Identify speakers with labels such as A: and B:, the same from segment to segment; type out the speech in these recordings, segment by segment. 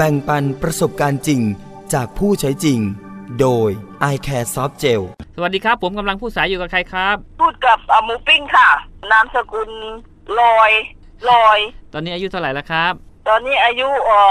A: บ่งปันประสบการณ์จริงจากผู้ใช้จริงโดย i Care Soft Gel
B: สวัสดีครับผมกำลังพูดสายอยู่กับใครครับ
C: พูดกับหมูปิ้งค่ะนามสกุลลอย
B: ตอนนี้อายุเท่าไหร่แล้วครับ
C: ตอนนี้อายุ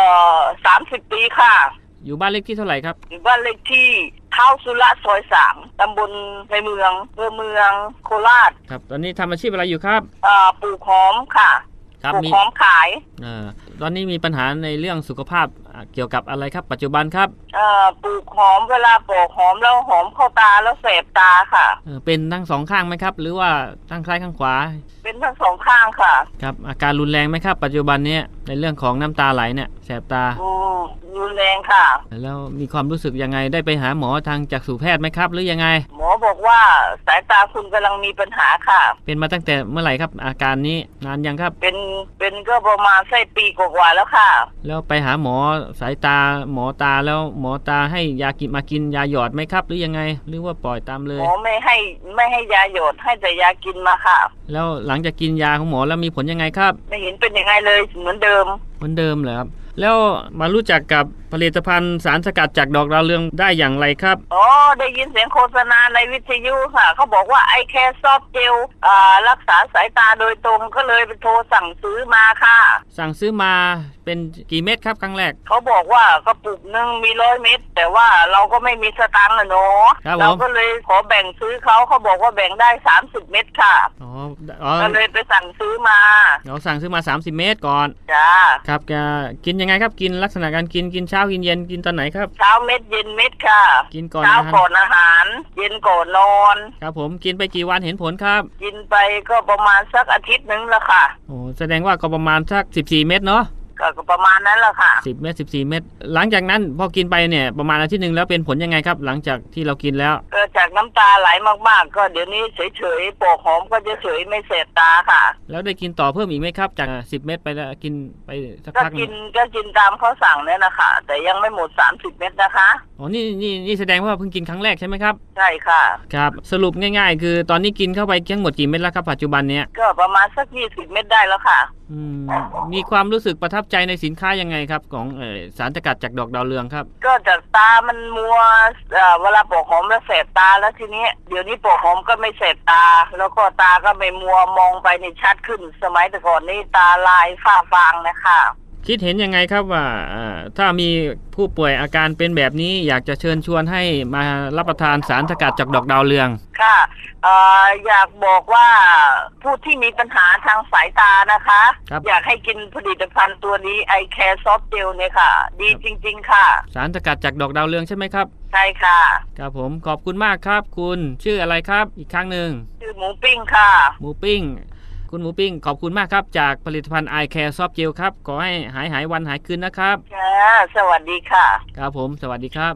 C: 30 ปีค่ะ
B: อยู่บ้านเลขที่เท่าไหร่ครับ
C: อยู่บ้านเลขที่เท้าสุระซอย3ตำบลในเมืองโคราช
B: ครับตอนนี้ทำอาชีพอะไรอยู่ครับ
C: ปลูกหอมค่ะปลูกหอมขาย
B: ตอนนี้มีปัญหาในเรื่องสุขภาพเกี่ยวกับอะไรครับปัจจุบันครับ
C: ปลูกหอมเวลาปลูกหอมแล้วหอมเข้าตาแล้วแสบตาค่ะ
B: เป็นทั้งสองข้างไหมครับหรือว่าทั้งซ้ายข้างขวา
C: เป็นทั้งสองข้างค่ะ
B: ครับอาการรุนแรงไหมครับปัจจุบันนี้ในเรื่องของน้ำตาไหลเนี่ยแสบตา
C: รุนแรงค่ะ
B: แล้วมีความรู้สึกยังไงได้ไปหาหมอทางจักษุแพทย์ไหมครับหรือยังไง
C: หมอบอกว่าสายตาคุณกำลังมีปัญหาค่ะ
B: เป็นมาตั้งแต่เมื่อไหร่ครับอาการนี้นานยังครับ
C: เป็นก็ประมาณปีกว่าแล้วค่ะ
B: แล้วไปหาหมอสายตาหมอตาแล้วหมอตาให้ยากินยาหยอดไหมครับหรือยังไงหรือว่าปล่อยตามเลย
C: หมอไม่ให้ยาหยอดให้แต่ยากินมาค่ะ
B: แล้วหลังจากกินยาของหมอแล้วมีผลยังไงครับ
C: ไม่เห็นเป็นยังไงเลยเหมือนเดิม
B: เหรอครับแล้วมารู้จักกับผลิตภัณฑ์สารสกัดจากดอกดาวเรืองได้อย่างไรครับ
C: ได้ยินเสียงโฆษณาในวิทยุค่ะเขาบอกว่าไอแคร์ซอฟต์เจลรักษาสายตาโดยตรงก็เลยไปโทรสั่งซื้อมาค่ะ
B: สั่งซื้อมาเป็นกี่เม็ดครับครั้งแรก
C: เขาบอกว่ากระปุกนึงมี100 เม็ดแต่ว่าเราก็ไม่มีสตางค์เนาะเราก็เลยขอแบ่งซื้อเขาบอกว่าแบ่งได้30 เม็ดค่ะก็เลยไปสั่งซื้อมา
B: เราสั่งซื้อมา30 เม็ดก่อน
C: จ้า
B: ครับกินยังไงครับกินลักษณะการกินเช้ากินเย็นกินตอนไหนครับ
C: เช้าเม็ดเย็นเม็ดค่ะ
B: กินก่อน
C: เช้าก่อนอาหารเย็นก่อนนอน
B: ครับผมกินไปกี่วันเห็นผลครับ
C: กินไปก็ประมาณสักอาทิตย์นึงแล้วค่ะ
B: แสดงว่าก็ประมาณสัก14 เม็ดเนาะ
C: ก็ประมาณนั้นแหละค่ะ
B: 10 เม็ด14 เม็ดหลังจากนั้นพอกินไปเนี่ยประมาณอาทิตย์นึงแล้วเป็นผลยังไงครับหลังจากที่เรากินแล้ว
C: ก็จากน้ำตาไหลมากๆก็เดี๋ยวนี้เฉยๆปอกหอมก็จะเฉยไม่แสบตาค่ะ
B: แล้วได้กินต่อเพิ่มอีกไหมครับจาก10 เม็ดไปแล้วกินไปสักพัก
C: ก็กินตามเขาสั่งเนี่ยนะคะแต่ยังไม่หมด30 เม็ดนะคะ
B: นี่แสดงว่าเพิ่งกินครั้งแรกใช่ไหมครับ
C: ใช่ค่ะ
B: ครับสรุปง่ายๆคือตอนนี้กินเข้าไปทั้งหมดกี่เม็ดแล้วครับปัจจุบันเนี้ย
C: ก็ประมาณสัก20 เม็ดได้แล้วค่ะ
B: มีความรู้สึกประทับใจในสินค้ายังไงครับของสารสกัดจากดอกดาวเรืองครับ
C: ก็จากตามันมัวเวลาปอกหอมแล้วแสบตาแล้วทีนี้เดี๋ยวนี้ปอกหอมก็ไม่แสบตาแล้วก็ตาก็ไม่มัวมองไปนี่ชัดขึ้นสมัยแต่ก่อนนี่ตาลายฝ้าฟางนะคะ
B: คิดเห็นยังไงครับว่าถ้ามีผู้ป่วยอาการเป็นแบบนี้อยากจะเชิญชวนให้มารับประทานสารสกัดจากดอกดาวเรือง
C: ค่ะอยากบอกว่าผู้ที่มีปัญหาทางสายตานะคะอยากให้กินผลิตภัณฑ์ตัวนี้ไอแคร์ซอฟต์เจลเนี่ยค่ะดีจริงๆค่ะ
B: สารสกัดจากดอกดาวเรืองใช่ไหมครับ
C: ใช่ค่ะ
B: ครับผมขอบคุณมากครับคุณชื่ออะไรครับอีกครั้งหนึ่ง
C: ชื่อหมูปิ้งค่ะ
B: หมูปิ้งคุณหมูปิ้งขอบคุณมากครับจากผลิตภัณฑ์ i Care Soft Gel ครับขอให้หายวันหายคืนนะครับ
C: ค่ะสวัสดีค่ะ
B: ครับผมสวัสดีครับ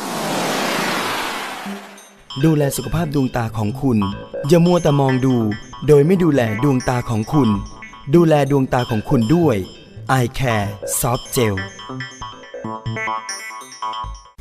A: ดูแลสุขภาพดวงตาของคุณอย่ามัวแต่มองดูโดยไม่ดูแลดวงตาของคุณดูแลดวงตาของคุณด้วย i Care Soft Gel